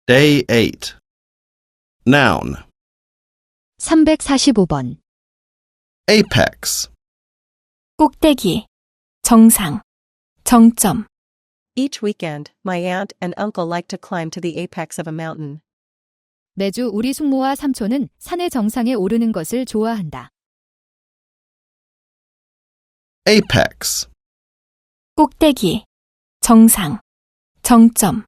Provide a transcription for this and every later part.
Day 8. Noun. 345번. Apex. 꼭대기, 정상, 정점. Each weekend, my aunt and uncle like to climb to the apex of a mountain. 매주 우리 숙모와 삼촌은 산의 정상에 오르는 것을 좋아한다. Apex. 꼭대기, 정상, 정점.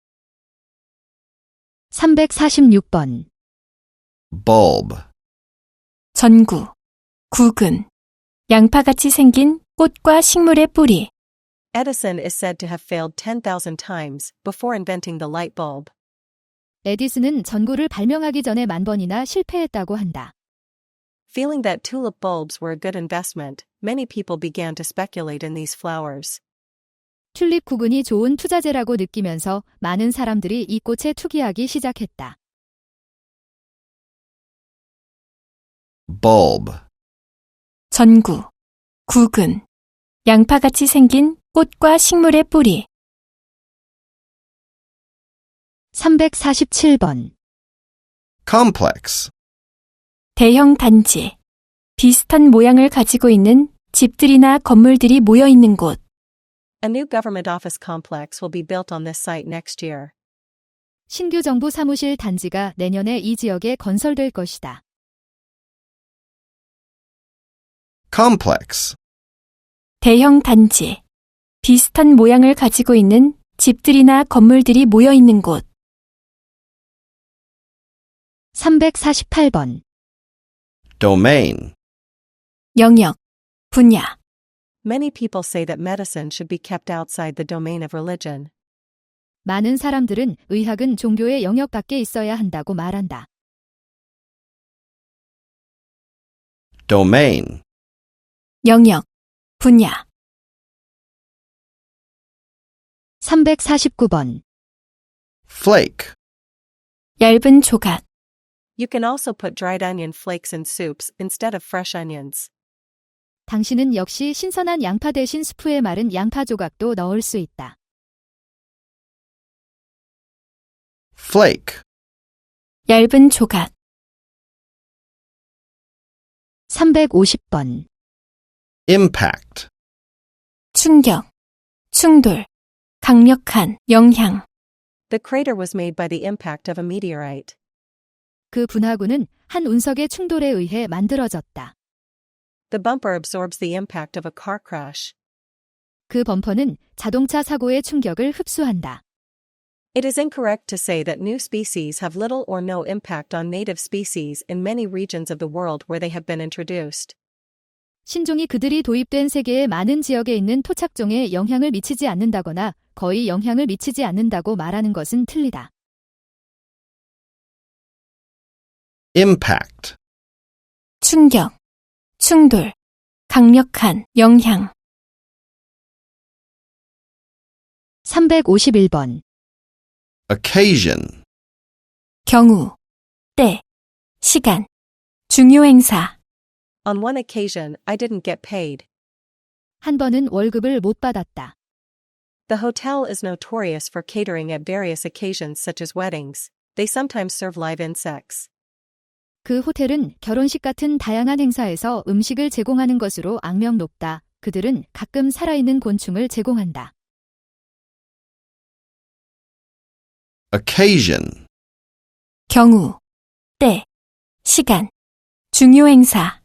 346번. Bulb. 전구, 구근. 양파같이 생긴 꽃과 식물의 뿌리. Edison is said to have failed 10,000 times before inventing the light bulb. 에디슨은 전구를 발명하기 전에 10,000번이나 실패했다고 한다. Feeling that tulip bulbs were a good investment, many people began to speculate in these flowers. 튤립 구근이 좋은 투자재라고 느끼면서 많은 사람들이 이 꽃에 투기하기 시작했다. Bulb. 전구, 구근. 양파같이 생긴 꽃과 식물의 뿌리. 347번. Complex. 대형 단지. 비슷한 모양을 가지고 있는 집들이나 건물들이 모여 있는 곳. A new government office complex will be built on this site next year. 신규 정부 사무실 단지가 내년에 이 지역에 건설될 것이다. Complex. 대형 단지. 비슷한 모양을 가지고 있는 집들이나 건물들이 모여 있는 곳. 348번. Domain. 영역, 분야. Many people say that medicine should be kept outside the domain of religion. 많은 사람들은 의학은 종교의 영역 밖에 있어야 한다고 말한다. Domain. 영역, 분야. 349번. Flake. 얇은 조각. You can also put dried onion flakes in soups instead of fresh onions. 당신은 역시 신선한 양파 대신 스프에 마른 양파 조각도 넣을 수 있다. Flake. 얇은 조각. 350번. Impact. 충격, 충돌, 강력한 영향. The crater was made by the impact of a meteorite. 그 분화구는 한 운석의 충돌에 의해 만들어졌다. The bumper absorbs the impact of a car crash. 그 범퍼는 자동차 사고의 충격을 흡수한다. It is incorrect to say that new species have little or no impact on native species in many regions of the world where they have been introduced. 신종이 그들이 도입된 세계의 많은 지역에 있는 토착종에 영향을 미치지 않는다거나 거의 영향을 미치지 않는다고 말하는 것은 틀리다. Impact. 충격, 충돌, 강력한 영향. 351번. Occasion. 경우, 때, 시간, 중요 행사. On one occasion, I didn't get paid. 한 번은 월급을 못 받았다. The hotel is notorious for catering at various occasions such as weddings. They sometimes serve live insects. 그 호텔은 결혼식 같은 다양한 행사에서 음식을 제공하는 것으로 악명 높다. 그들은 가끔 살아있는 곤충을 제공한다. Occasion. 경우, 때, 시간, 중요 행사.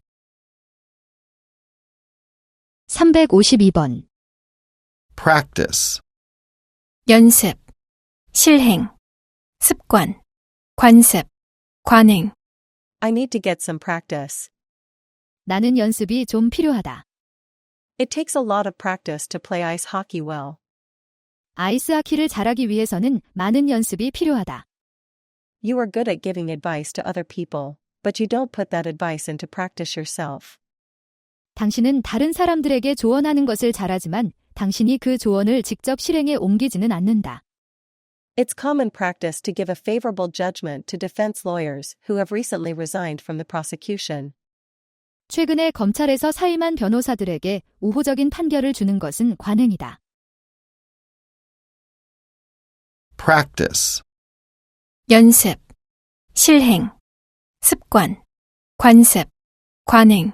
352번. Practice. 연습, 실행, 습관, 관습, 관행. I need to get some practice. 나는 연습이 좀 필요하다. It takes a lot of practice to play ice hockey well. 아이스 하키를 잘하기 위해서는 많은 연습이 필요하다. You are good at giving advice to other people, but you don't put that advice into practice yourself. 당신은 다른 사람들에게 조언하는 것을 잘하지만 당신이 그 조언을 직접 실행에 옮기지는 않는다. It's common practice to give a favorable judgment to defense lawyers who have recently resigned from the prosecution. 최근에 검찰에서 사임한 변호사들에게 우호적인 판결을 주는 것은 관행이다. Practice. 연습, 실행, 습관, 관습, 관행.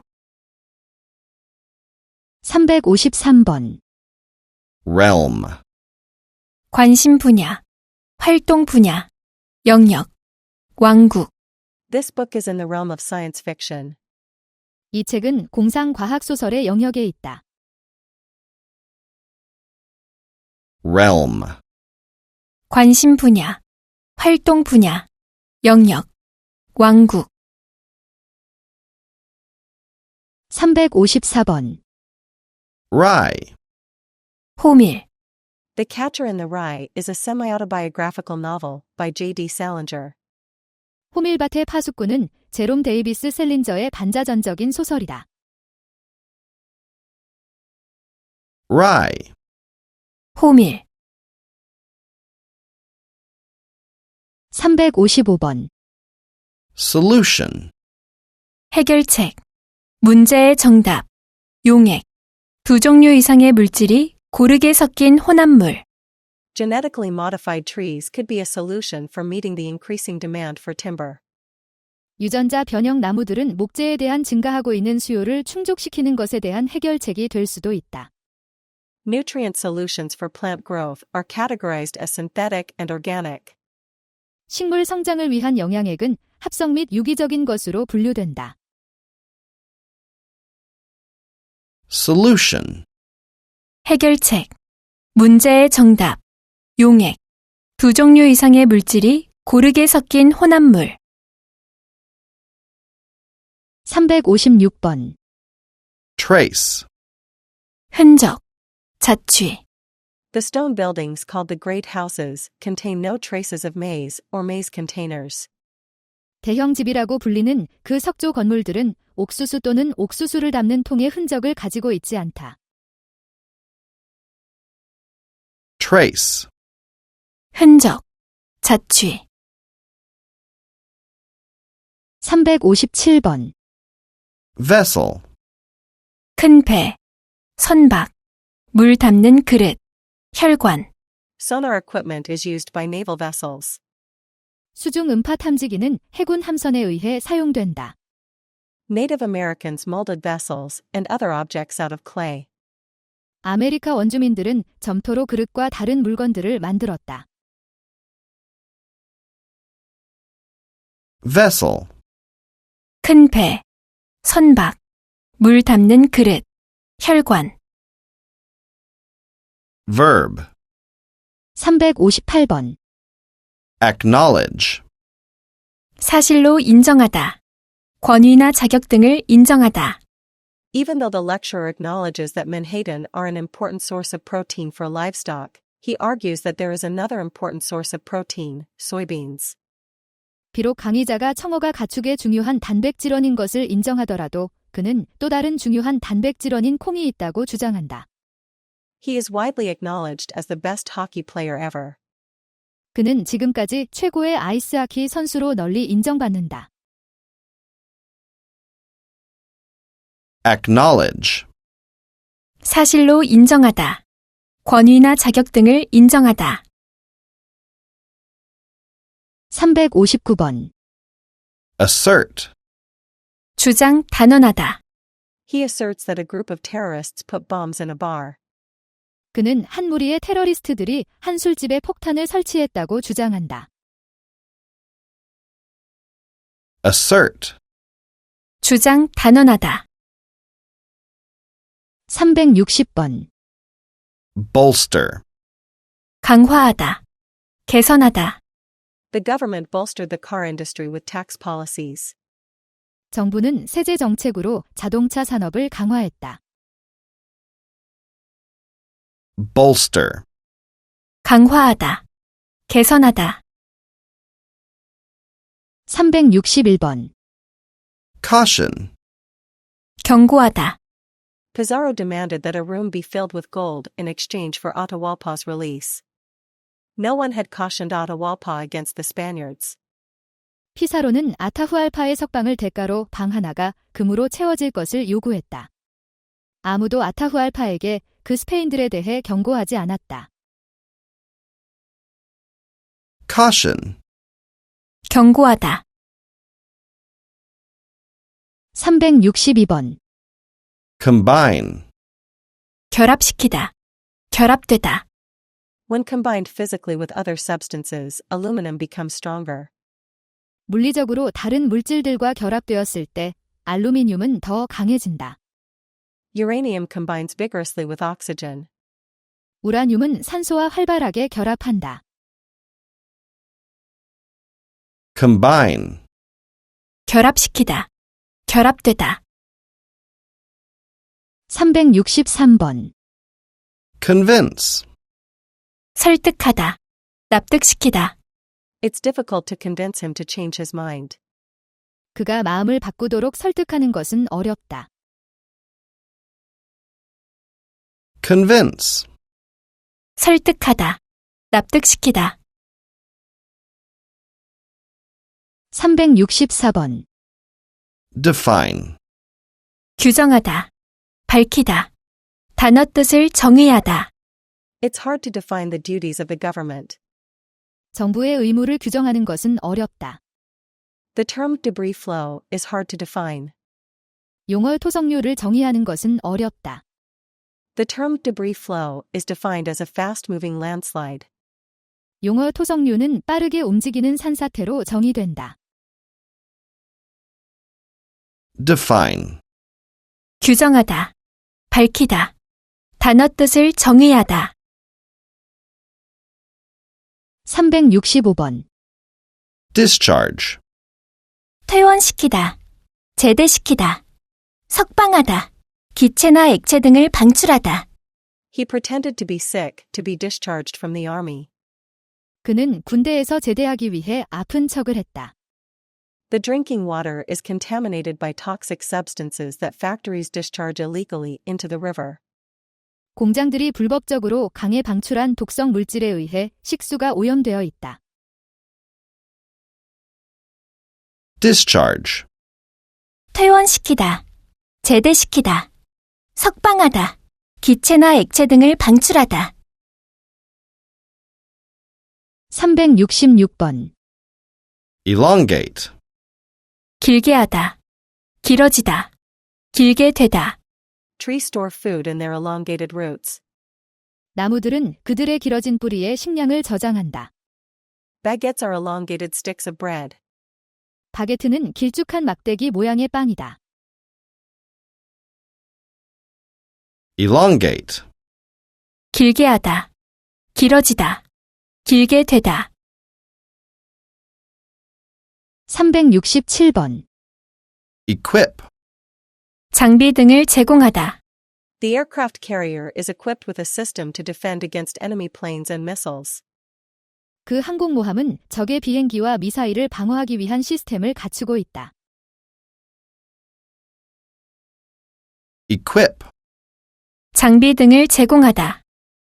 353번. realm, 관심 분야, 활동 분야, 영역, 왕국. This book is in the realm of science fiction. 이 책은 공상과학 소설의 영역에 있다. realm, 관심 분야, 활동 분야, 영역, 왕국. 354번. rye, 호밀, The Catcher in the Rye is a semi-autobiographical novel by J.D. Salinger. 호밀밭의 파수꾼은 제롬 데이비스 셀린저의 반자전적인 소설이다. rye, 호밀. 355번. solution, 해결책, 문제의 정답, 용액. 두 종류 이상의 물질이 고르게 섞인 혼합물. Genetically modified trees could be a solution for meeting the increasing demand for timber. 유전자 변형 나무들은 목재에 대한 증가하고 있는 수요를 충족시키는 것에 대한 해결책이 될 수도 있다. Nutrient solutions for plant growth are categorized as synthetic and organic. 식물 성장을 위한 영양액은 합성 및 유기적인 것으로 분류된다. solution, 해결책, 문제의 정답, 용액. 두 종류 이상의 물질이 고르게 섞인 혼합물. 356번. trace, 흔적, 자취. The stone buildings called the Great Houses contain no traces of maize or maize containers. 대형집이라고 불리는 그 석조 건물들은 옥수수 또는 옥수수를 담는 통의 흔적을 가지고 있지 않다. trace, 흔적, 자취. 357번. vessel, 큰 배, 선박, 물 담는 그릇, 혈관. Sonar equipment is used by naval vessels. 수중 음파 탐지기는 해군 함선에 의해 사용된다. Native Americans molded vessels and other objects out of clay. 아메리카 원주민들은 점토로 그릇과 다른 물건들을 만들었다. vessel, 큰 배, 선박, 물 담는 그릇, 혈관. verb, 358번. acknowledge, 사실로 인정하다. 권위나 자격 등을 인정하다. Even though the lecturer acknowledges that menhaden are an important source of protein for livestock, he argues that there is another important source of protein, soybeans. 비록 강의자가 청어가 가축의 중요한 단백질원인 것을 인정하더라도 그는 또 다른 중요한 단백질원인 콩이 있다고 주장한다. He is widely acknowledged as the best hockey player ever. 그는 지금까지 최고의 아이스하키 선수로 널리 인정받는다. acknowledge, 사실로 인정하다. 권위나 자격 등을 인정하다. 359번. assert, 주장 단언하다. He asserts that a group of terrorists put bombs in a bar. 그는 한 무리의 테러리스트들이 한 술집에 폭탄을 설치했다고 주장한다. assert, 주장 단언하다. 360번. bolster, 강화하다. 개선하다. The government bolstered the car industry with tax policies. 정부는 세제 정책으로 자동차 산업을 강화했다. bolster, 강화하다. 개선하다. 361번. caution, 경고하다. Pizarro demanded that a room be filled with gold in exchange for Atahualpa's release. No one had cautioned Atahualpa against the Spaniards. 피사로는 아타후알파의 석방을 대가로 방 하나가 금으로 채워질 것을 요구했다. 아무도 아타후알파에게 그 스페인들에 대해 경고하지 않았다. caution, 경고하다. 362번. combine, 결합시키다. 결합되다. When combined physically with other substances, aluminum becomes stronger. 물리적으로 다른 물질들과 결합되었을 때 알루미늄은 더 강해진다. Uranium combines vigorously with oxygen. 우라늄은 산소와 활발하게 결합한다. combine, 결합시키다. 결합되다. 363번. convince, 설득하다. 납득시키다. It's difficult to convince him to change his mind. 그가 마음을 바꾸도록 설득하는 것은 어렵다. convince, 설득하다. 납득시키다. 364번. define, 규정하다. 밝히다. 단어 뜻을 정의하다. It's hard to define the duties of the government. 정부의 의무를 규정하는 것은 어렵다. The term debris flow is hard to define. 용어 토성류를 정의하는 것은 어렵다. The term debris flow is defined as a fast-moving landslide. 용어 토성류는 빠르게 움직이는 산사태로 정의된다. define, 규정하다. 밝히다. 단어 뜻을 정의하다. 365번. discharge, 퇴원시키다. 제대시키다. 석방하다. 기체나 액체 등을 방출하다. He pretended to be sick to be discharged from the army. 그는 군대에서 제대하기 위해 아픈 척을 했다. The drinking water is contaminated by toxic substances that factories discharge illegally into the river. 공장들이 불법적으로 강에 방출한 독성 물질에 의해 식수가 오염되어 있다. discharge, 퇴원시키다. 제대시키다. 석방하다. 기체나 액체 등을 방출하다. 366번. elongate, 길게 하다. 길어지다. 길게 되다. Trees store food in their elongated roots. 나무들은 그들의 길어진 뿌리에 식량을 저장한다. Baguettes are elongated sticks of bread. 바게트는 길쭉한 막대기 모양의 빵이다. elongate, 길게 하다. 길어지다. 길게 되다. 367번. equip, 장비 등을 제공하다. The aircraft carrier is equipped with a system to defend against enemy planes and missiles. 그 항공모함은 적의 비행기와 미사일을 방어하기 위한 시스템을 갖추고 있다. equip, 장비 등을 제공하다.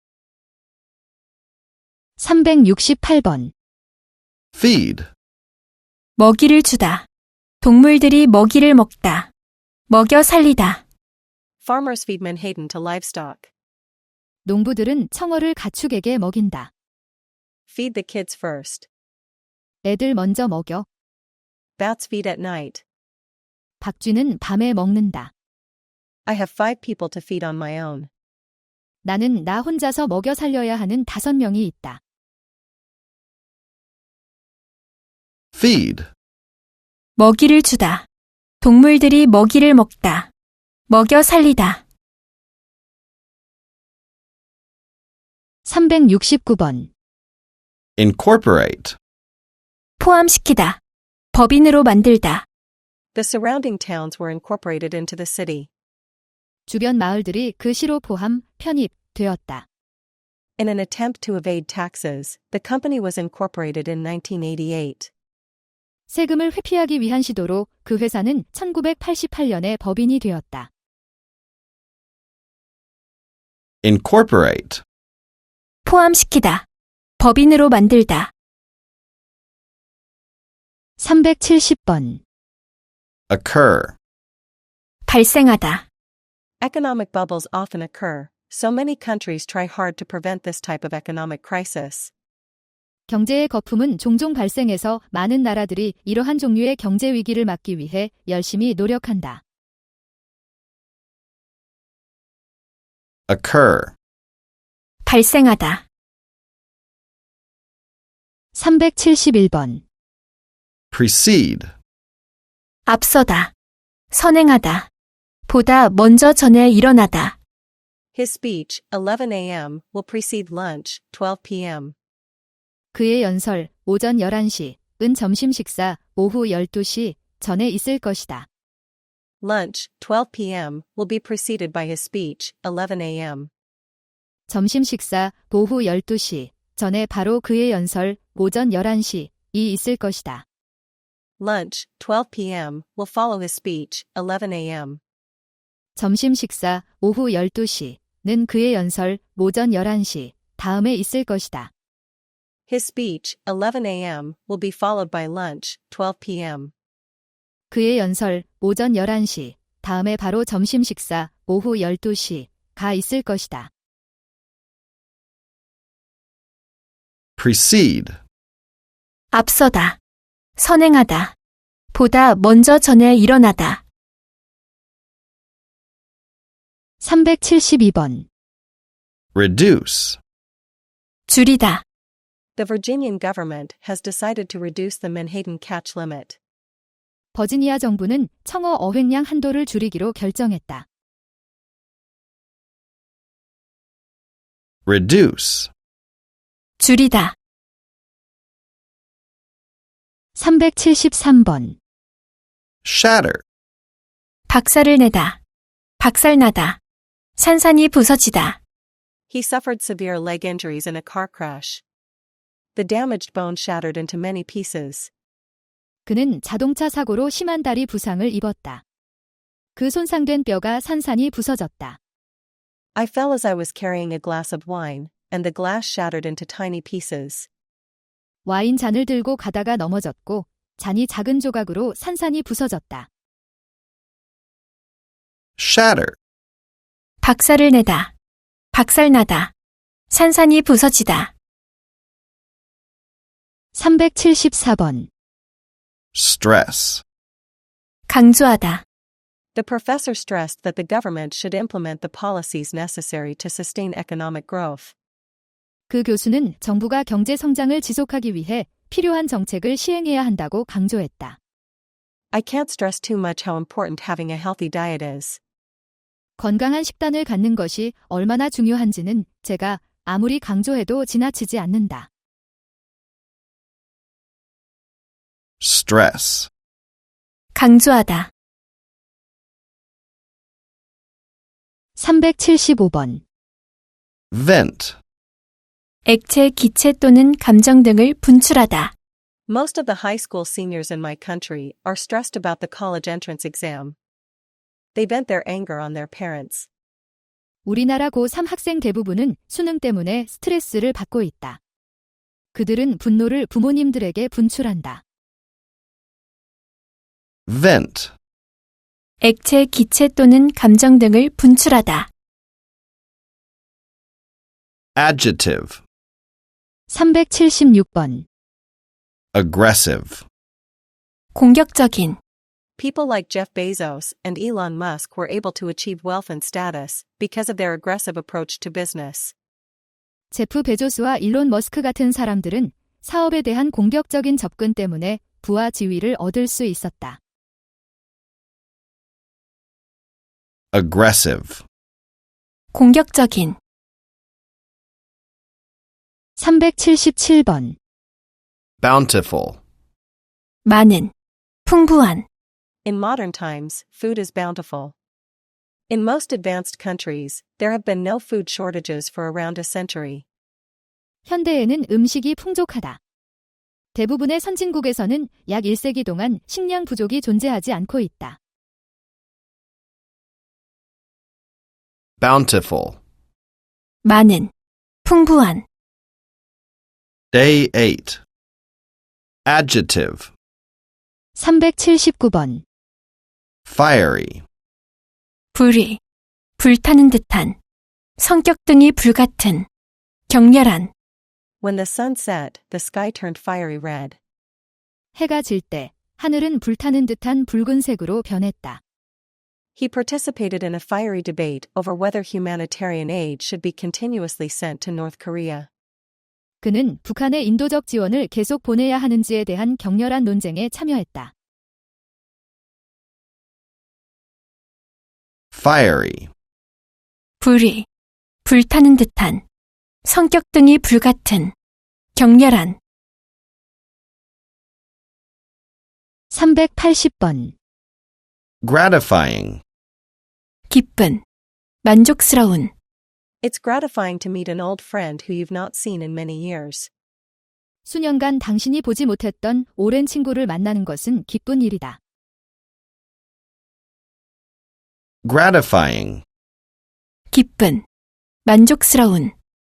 368번. feed, 먹이를 주다. 동물들이 먹이를 먹다. 먹여 살리다. Farmers feed menhaden to livestock. 농부들은 청어를 가축에게 먹인다. Feed the kids first. 애들 먼저 먹여. Bats feed at night. 박쥐는 밤에 먹는다. I have 5 people to feed on my own. 나는 나 혼자서 먹여 살려야 하는 5명이 있다. feed, 먹이를 주다. 동물들이 먹이를 먹다. 먹여 살리다. 369번. incorporate, 포함시키다. 법인으로 만들다. The surrounding towns were incorporated into the city. 주변 마을들이 그 시로 포함, 편입되었다. In an attempt to evade taxes, the company was incorporated in 1988. 세금을 회피하기 위한 시도로 그 회사는 1988년에 법인이 되었다. incorporate, 포함시키다. 법인으로 만들다. 370번. occur, 발생하다. Economic bubbles often occur, so many countries try hard to prevent this type of economic crisis. 경제의 거품은 종종 발생해서 많은 나라들이 이러한 종류의 경제 위기를 막기 위해 열심히 노력한다. occur, 발생하다. 371번. precede, 앞서다. 선행하다. 보다 먼저 전에 일어나다. His speech, 11 a.m., will precede lunch, 12 p.m. 그의 연설, 오전 11시, 은 점심 식사, 오후 12시 전에 있을 것이다. Lunch, 12 p.m., will be preceded by his speech, 11 a.m. 점심 식사, 오후 12시 전에 바로 그의 연설, 오전 11시 이 있을 것이다. Lunch, 12 p.m., will follow his speech, 11 a.m. 점심 식사, 오후 12시는 그의 연설, 오전 11시 다음에 있을 것이다. His speech, 11 a.m., will be followed by lunch, 12 p.m. 그의 연설, 오전 11시 다음에 바로 점심 식사, 오후 12시가 있을 것이다. precede, 앞서다. 선행하다. 보다 먼저 전에 일어나다. 372번. reduce, 줄이다. The Virginian government has decided to reduce the Manhattan catch limit. 버지니아 정부는 청어 어획량 한도를 줄이기로 결정했다. reduce, 줄이다. 373번. shatter, 박살을 내다. 박살나다. 산산이 부서지다. He suffered severe leg injuries in a car crash. The damaged bone shattered into many pieces. 그는 자동차 사고로 심한 다리 부상을 입었다. 그 손상된 뼈가 산산이 부서졌다. I fell as I was carrying a glass of wine, and the glass shattered into tiny pieces. 와인 잔을 들고 가다가 넘어졌고 잔이 작은 조각으로 산산이 부서졌다. shatter, 박살을 내다. 박살나다. 산산이 부서지다. 374번. stress, 강조하다. The professor stressed that the government should implement the policies necessary to sustain economic growth. 그 교수는 정부가 경제 성장을 지속하기 위해 필요한 정책을 시행해야 한다고 강조했다. I can't stress too much how important having a healthy diet is. 건강한 식단을 갖는 것이 얼마나 중요한지는 제가 아무리 강조해도 지나치지 않는다. stress, 강조하다. 375번. vent, 액체, 기체 또는 감정 등을 분출하다. Most of the high school seniors in my country are stressed about the college entrance exam. They vent their anger on their parents. 우리나라 고3 학생 대부분은 수능 때문에 스트레스를 받고 있다. 그들은 분노를 부모님들에게 분출한다. vent, 액체, 기체 또는 감정 등을 분출하다. adjective, 376번. aggressive, 공격적인. People like Jeff Bezos and Elon Musk were able to achieve wealth and status because of their aggressive approach to business. 제프 베조스와 일론 머스크 같은 사람들은 사업에 대한 공격적인 접근 때문에 부와 지위를 얻을 수 있었다. aggressive, 공격적인. 377번. bountiful, 많은. 풍부한. In modern times, food is bountiful. In most advanced countries, there have been no food shortages for around a century. 현대에는 음식이 풍족하다. 대부분의 선진국에서는 약 1세기 동안 식량 부족이 존재하지 않고 있다. bountiful, 많은. 풍부한. day 8, adjective, 379번. fiery, 불이. 불타는 듯한. 성격 등이 불같은. 격렬한. When the sun set, the sky turned fiery red. 해가 질 때 하늘은 불타는 듯한 붉은색으로 변했다. He participated in a fiery debate over whether humanitarian aid should be continuously sent to North Korea. 그는 북한에 인도적 지원을 계속 보내야 하는지에 대한 격렬한 논쟁에 참여했다. Fiery. 불이, 불타는 듯한, 성격 등이 불같은, 격렬한. 380번. Gratifying. 기쁜, 만족스러운. It's gratifying to meet an old friend who you've not seen in many years. 수년간 당신이 보지 못했던 오랜 친구를 만나는 것은 기쁜 일이다. Gratifying. 기쁜, 만족스러운.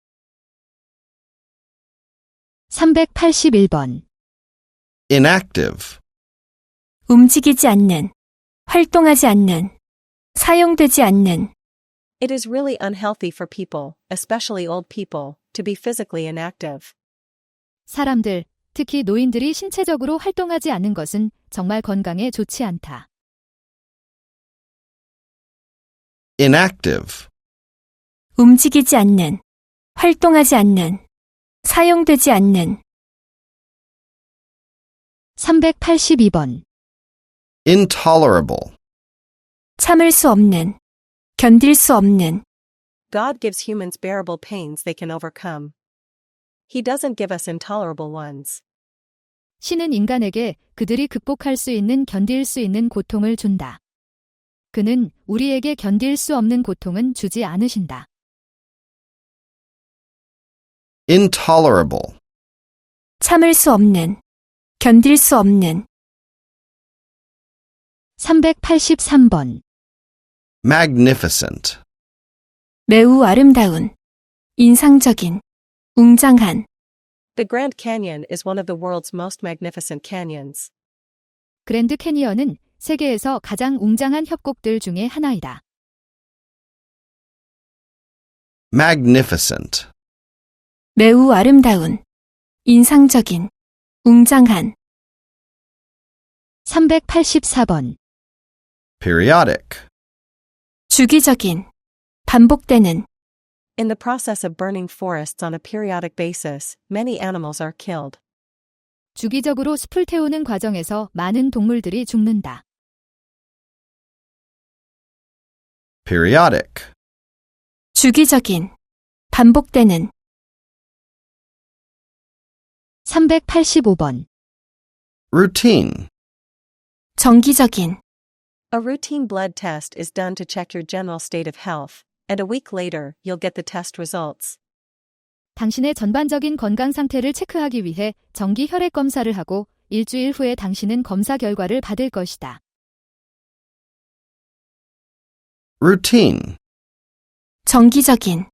381번. Inactive. 움직이지 않는, 활동하지 않는, 사용되지 않는. It is really unhealthy for people, especially old people, to be physically inactive. 사람들, 특히 노인들이 신체적으로 활동하지 않는 것은 정말 건강에 좋지 않다. Inactive. 움직이지 않는, 활동하지 않는, 사용되지 않는. 382번. Intolerable. 참을 수 없는, 견딜 수 없는. God gives humans bearable pains they can overcome. He doesn't give us intolerable ones. 신은 인간에게 그들이 극복할 수 있는 견딜 수 있는 고통을 준다. 그는 우리에게 견딜 수 없는 고통은 주지 않으신다. Intolerable. 참을 수 없는, 견딜 수 없는. 383번. Magnificent. 매우 아름다운, 인상적인, 웅장한. The Grand Canyon is one of the world's most magnificent canyons. 그랜드 캐니언은 세계에서 가장 웅장한 협곡들 중에 하나이다. Magnificent. 매우 아름다운, 인상적인, 웅장한. 384번. Periodic. 주기적인, 반복되는. In the process of burning forests on a periodic basis, many animals are killed. 주기적으로 숲을 태우는 과정에서 많은 동물들이 죽는다. Periodic. 주기적인, 반복되는. 385번. Routine. 정기적인. A routine blood test is done to check your general state of health, and a week later, you'll get the test results. 당신의 전반적인 건강 상태를 체크하기 위해 정기 혈액 검사를 하고 일주일 후에 당신은 검사 결과를 받을 것이다. Routine. 정기적인.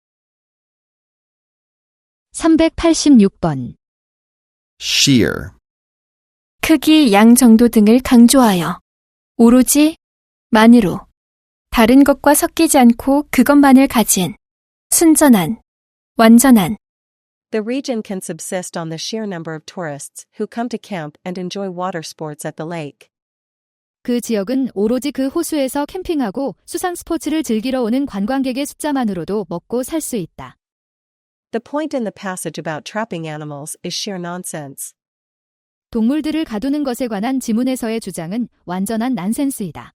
386번. Sheer. 크기, 양 정도 등을 강조하여 오로지, 만으로, 다른 것과 섞이지 않고 그것만을 가진, 순전한, 완전한. The region can subsist on the sheer number of tourists who come to camp and enjoy water sports at the lake. 그 지역은 오로지 그 호수에서 캠핑하고 수상 스포츠를 즐기러 오는 관광객의 숫자만으로도 먹고 살 수 있다. The point in the passage about trapping animals is sheer nonsense. 동물들을 가두는 것에 관한 지문에서의 주장은 완전한 난센스이다.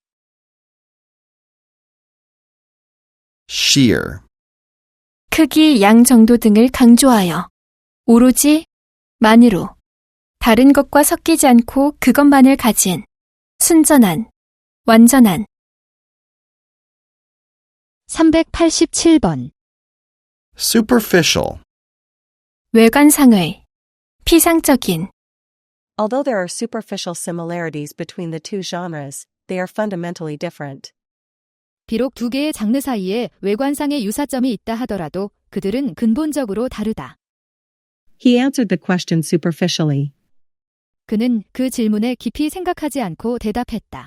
Sheer. 크기, 양 정도 등을 강조하여 오로지, 만으로, 다른 것과 섞이지 않고 그것만을 가진, 순전한, 완전한. 387번. Superficial. 외관상의, 피상적인. Although there are superficial similarities between the two genres, they are fundamentally different. 비록 두 개의 장르 사이에 외관상의 유사점이 있다 하더라도 그들은 근본적으로 다르다. He answered the question superficially. 그는 그 질문에 깊이 생각하지 않고 대답했다.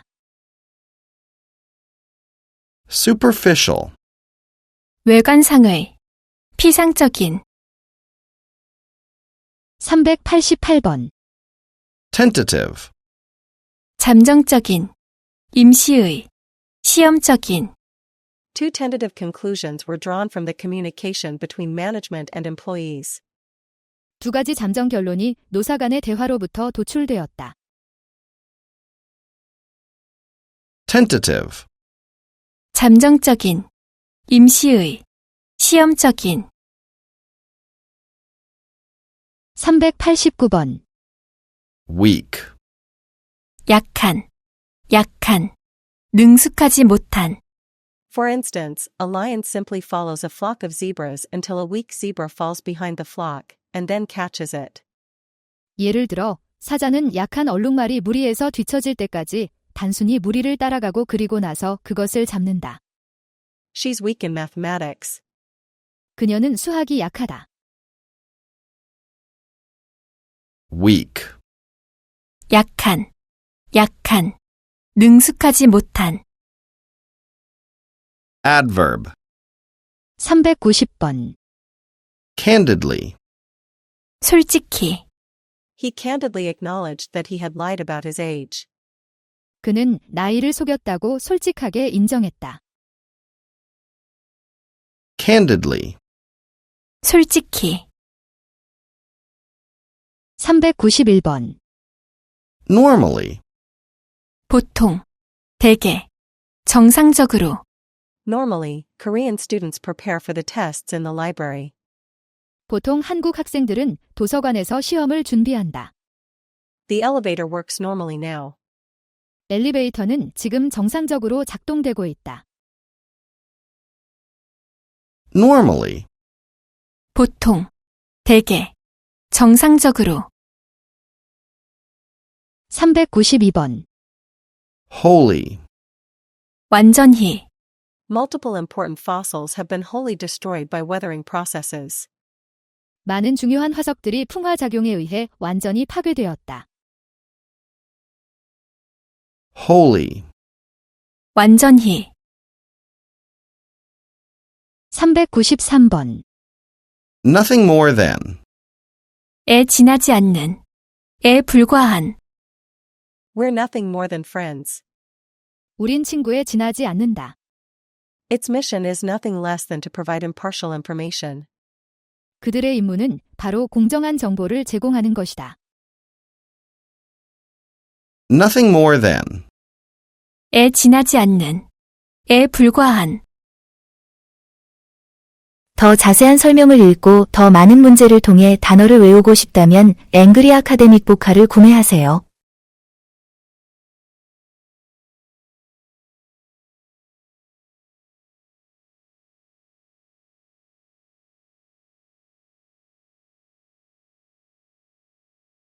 Superficial. 외관상의, 피상적인. 388번. tentative, 잠정적인, 임시의, 시험적인, Two tentative conclusions were drawn from the communication between management and employees. 두 가지 잠정 결론이 노사 간의 대화로부터 도출되었다. tentative, 잠정적인, 임시의, 시험적인, 389번. weak, 약한, 약한, 능숙하지 못한, For instance, a lion simply follows a flock of zebras until a weak zebra falls behind the flock, and then catches it. 예를 들어 사자는 약한 얼룩말이 무리에서 뒤처질 때까지 단순히 무리를 따라가고 그리고 나서 그것을 잡는다. She's weak in mathematics. 그녀는 수학이 약하다. weak, 약한, 약한, 능숙하지 못한, adverb, 390번. candidly, 솔직히, He candidly acknowledged that he had lied about his age. 그는 나이를 속였다고 솔직하게 인정했다. candidly, 솔직히, 391번. normally, 보통, 대개, 정상적으로, Normally, Korean students prepare for the tests in the library. 보통 한국 학생들은 도서관에서 시험을 준비한다. The elevator works normally now. 엘리베이터는 지금 정상적으로 작동되고 있다. normally, 보통, 대개, 정상적으로, 392번. wholly, 완전히, Multiple important fossils have been wholly destroyed by weathering processes. 많은 중요한 화석들이 풍화작용에 의해 완전히 파괴되었다. wholly, 완전히, 393번. nothing more than, 에 지나지 않는, 에 불과한, We're nothing more than friends. 우린 친구에 지나지 않는다. Its mission is nothing less than to provide impartial information. 그들의 임무는 바로 공정한 정보를 제공하는 것이다. nothing more than, 에 지나지 않는, 에 불과한. 더 자세한 설명을 읽고 더 많은 문제를 통해 단어를 외우고 싶다면 앵그리 아카데믹 보카를 구매하세요.